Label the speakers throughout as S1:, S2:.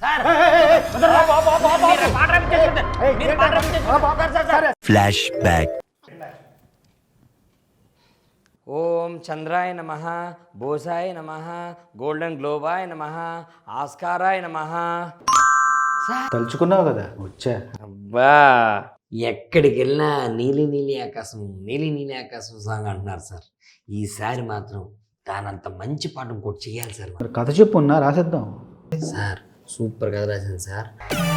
S1: Flash back.
S2: ఓం చంద్రాయ నమః, బోసాయ నమః, golden గ్లోబాయ నమః, ఆస్కారాయ నమః.
S3: తలుచుకున్నావు కదా వచ్చా.
S2: అబ్బా, ఎక్కడికి వెళ్ళినా నీలి నీలి ఆకాశం, నీలి నీలి ఆకాశం సాంగ్ అంటున్నారు సార్. ఈసారి మాత్రం దానంత మంచి పాట ఇంకోటి చేయాలి సార్.
S3: మరి కథ చెప్పు ఉన్నా రాసేద్దాం.
S2: సార్ సూపర్ కథ రాసింది సార్.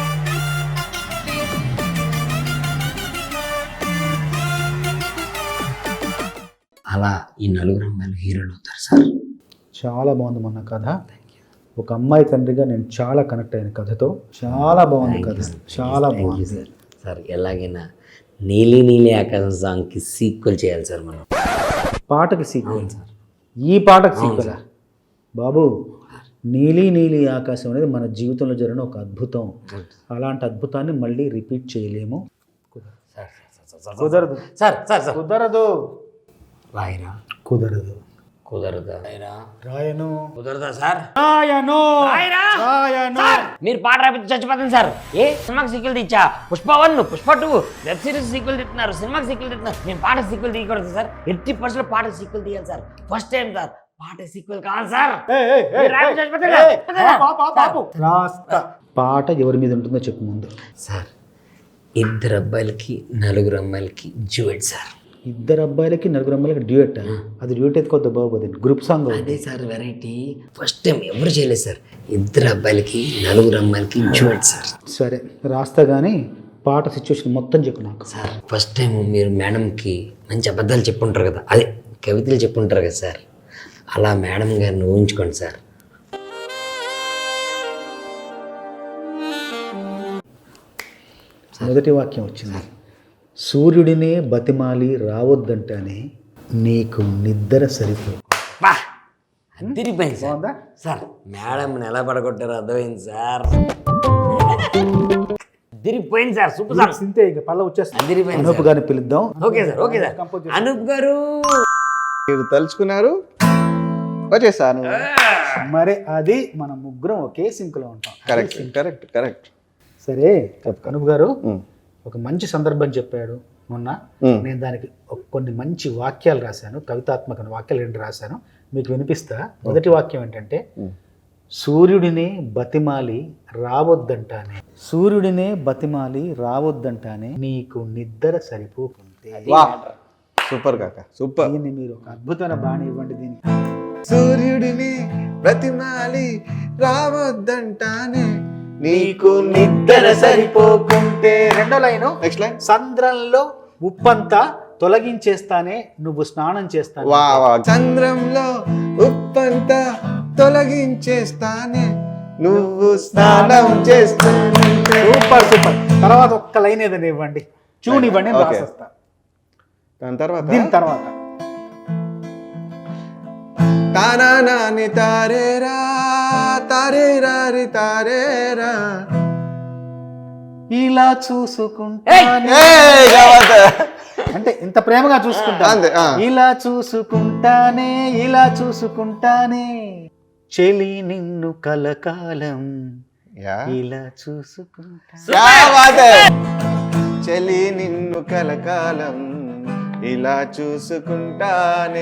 S2: అలా ఈ నలుగురు అమ్మాయిలు హీరోలు అవుతారు సార్.
S3: చాలా బాగుంది మొన్న కథ. ఒక అమ్మాయి తండ్రిగా నేను చాలా కనెక్ట్ అయిన కథతో. చాలా బాగుంది కథ, చాలా బాగుంది
S2: సార్. సార్ ఎలాగైనా నీలి నీలి ఆకాశం సాంగ్కి సీక్వెల్ చేయాలి సార్ మనం.
S3: పాటకి సీక్వెల్ సార్. ఈ పాటకి సీక్వెల్ బాబు. నీలి నీలి ఆకాశం అనేది మన జీవితంలో జరిగిన ఒక అద్భుతం. అలాంటి అద్భుతాన్ని మళ్ళీ రిపీట్ చేయలేము. కుదరదు
S2: సార్. సార్ సార్
S3: కుదరదు.
S2: రాయరా?
S3: కుదరదు.
S2: కుదరదా? రాయరా?
S3: రాయను.
S2: కుదరదా సార్?
S3: రాయను.
S2: రాయరా?
S3: రాయను.
S2: మీరు పాట రాపితే చచ్చిపోతుంది సార్. ఏ సినిమాకి సీక్వెల్ తీచ్చా? పుష్ప1, పుష్ప2 వెబ్ సిరీస్ సీక్వెల్ తీస్తున్నారు, సినిమాకి సీక్వెల్ తీస్తున్నారు. నేను పాట సీక్వెల్ తీయకూడదు సార్. 80% పాట సీక్వెల్ తీయాలి సార్. ఫస్ట్ టైం సార్ పాట సీక్వెల్ కావాలి సార్.
S3: పాట ఎవరి మీద ఉంటుందో చెప్పు ముందు.
S2: సార్ ఇద్దరు అబ్బాయిలకి నలుగురు అమ్మాయిలకి డ్యూయెట్ సార్.
S3: ఇద్దరు అబ్బాయిలకి నలుగురు అమ్మాయిలకి డ్యూయెట్. అది డ్యూయెట్ ఎత్తుకోద్దు బాబు, అది గ్రూప్ సాంగ్.
S2: అదే సార్ వెరైటీ. ఫస్ట్ టైం ఎవరు చేయలేదు సార్. ఇద్దరు అబ్బాయిలకి నలుగురు అమ్మాయిలకి డ్యూయెట్ సార్.
S3: సరే రాస్తా కానీ పాట సిచ్యువేషన్ మొత్తం చెప్పు నాకు.
S2: సార్ ఫస్ట్ టైం మీరు మేడంకి మంచి అబద్ధాలు చెప్పుంటారు కదా, అదే కవితలు చెప్పుంటారు కదా సార్. అలా మేడం గారిని ఊహించుకోండి సార్.
S3: మొదటి వాక్యం వచ్చింది. సూర్యుడినే బతిమాలి రావద్దంటానే నీకు నిద్ర సరిపో.
S2: బా అదిరిపోయింది సార్. సార్ మేడంని ఎలా పడగొట్టారో అర్థమైంది సార్. అదిరిపోయింది సార్. Super sir.
S3: సింతే ఇక పల్ల వచ్చేస్తా.
S2: అదిరిపోయింది.
S3: అనూప్ గారిని పిలుద్దాం.
S2: Okay sir. Okay sir. Anup garu
S4: మీరు తలుచుకున్నారు, వచ్చేసాను.
S3: మరి అది మన ముగ్గురం ఒకే సింక్లో ఉంటాం.
S4: Correct correct correct.
S3: సరే అనూప్ గారు ఒక మంచి సందర్భం చెప్పాడు మొన్న. నేను దానికి కొన్ని మంచి వాక్యాలు రాశాను, కవితాత్మక వాక్యాలు 2 రాశాను, మీకు వినిపిస్తా. మొదటి వాక్యం ఏంటంటే, సూర్యుడినే బతిమాలి రావద్దంటానే, సూర్యుడినే బతిమాలి రావద్దంటానే నీకు నిద్ర సరిపోకుంటే.
S4: సూపర్ కాక సూపర్.
S3: దీన్ని మీరు ఒక అద్భుతమైన బాణి ఇవ్వండి దీనికి.
S4: సూర్యుడిని బ్రతిమాలి రావద్దంటానే నీకు నిద్ర సరిపోకుంటే.
S3: రెండో లైను.
S4: Next line.
S3: సంద్రంలో ఉప్పంతా తొలగించేస్తానే నువ్వు స్నానం చేస్తాను.
S4: చంద్రంలో ఉప్పంతా తొలగించేస్తానే నువ్వు స్నానం చేస్తానే.
S3: Super super. తర్వాత ఒక్క లైన్ ఏదైనా ఇవ్వండి, చూని ఇవ్వండి, రాసేస్తా.
S4: దాని తర్వాత
S3: దీని తర్వాత
S4: తానాని తారేరా తారేరారి తారేరా
S3: ఇలా చూసుకుంటా అంటే ఇంత ప్రేమగా చూసుకుంటా. ఇలా చూసుకుంటానే, ఇలా చూసుకుంటానే చెలి నిన్ను కలకాలం, ఇలా చూసుకుంటా.
S4: చెలి నిన్ను కలకాలం ఇలా చూసుకుంటానే.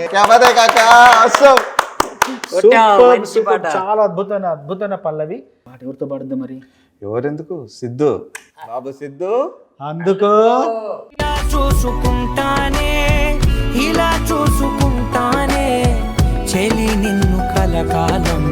S3: చాలా అద్భుతమైన పల్లవి. పాట ఎవరితో పాడుద్ది మరి?
S4: ఎవరెందుకు? సిద్ధు బాబు. సిద్ధు
S3: అందుకో.
S5: ఇలా చూసుకుంటానే, ఇలా చూసుకుంటానే చెలి నిన్ను కలకాలం,